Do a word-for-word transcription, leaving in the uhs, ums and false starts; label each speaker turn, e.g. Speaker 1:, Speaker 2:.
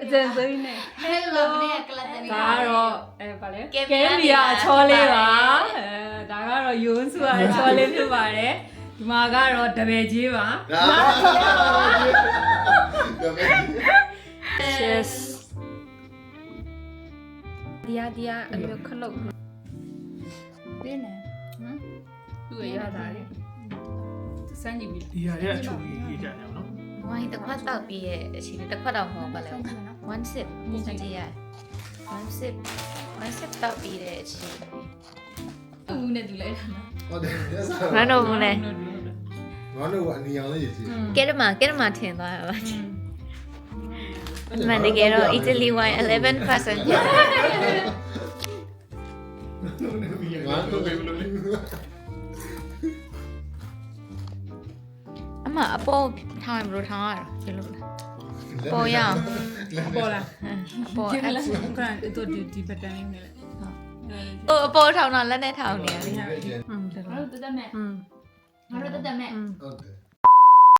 Speaker 1: အကျဉ်းစိမ့်နဲ့
Speaker 2: Hello နဲ့ကလတ်တနီ
Speaker 1: ဒါကတော့အဲဗာလဲကဲမီယာအချောလေးပါအဲဒါကတော့ယွန်းစုရအချောလေးဖြစ်ပါတယ်ဒီမှာကတော့တပည့်ကြီးပါ Cheers ဒီယာဒီယာအမျိုးခလုတ်ပြင်းနေဟမ်သူ့ရရတာလေစမ်းကြည့်ပြီ
Speaker 3: ဒီဟာရဲ့အချိုကြီးရေးကြတယ်နော်
Speaker 2: ဝိုင်းတစ်ခွက်တောက်ပြီးရဲ့အချိန်တစ်ခွက်တော့မဟုတ်ပါလဲ one sip ကြည့်ရ one sip one sip တောက်ပြီးတဲ့အချိန်သူ့နဲ့သူလိုက်တာနော်
Speaker 4: ဟုတ်တယ်ဆက်စား
Speaker 2: မနော်ဘူးလေ
Speaker 4: ငါတို့ကအနီအောင်လေးရည်ကြည့်
Speaker 2: ကဲရမကဲရမထင်သွားပါမန်တကယ်တော့ Italy wine eleven percent
Speaker 4: ငါတို့ပဲဘယ်လိုလဲ
Speaker 2: အမအပေါ်ထားရင်ဘယ်လိုထားရလဲဒီလိုပေါ်ရအောင်
Speaker 1: ပေါ်လာ
Speaker 2: အပေါ်
Speaker 1: ဒီ
Speaker 2: အဲ့
Speaker 1: လားကတော့ဒီဒီဘက်တန်းလေးနဲ့လေ
Speaker 2: ဟိုအပေါ်ထောင်တော့လက်နဲ့ထောင်နေရလေ
Speaker 1: อืม
Speaker 5: ငါတို့တက်တက်မဲ့
Speaker 1: อืม
Speaker 5: ငါတို့တက်တက်မဲ့
Speaker 1: อืม
Speaker 4: ဟုတ်တယ်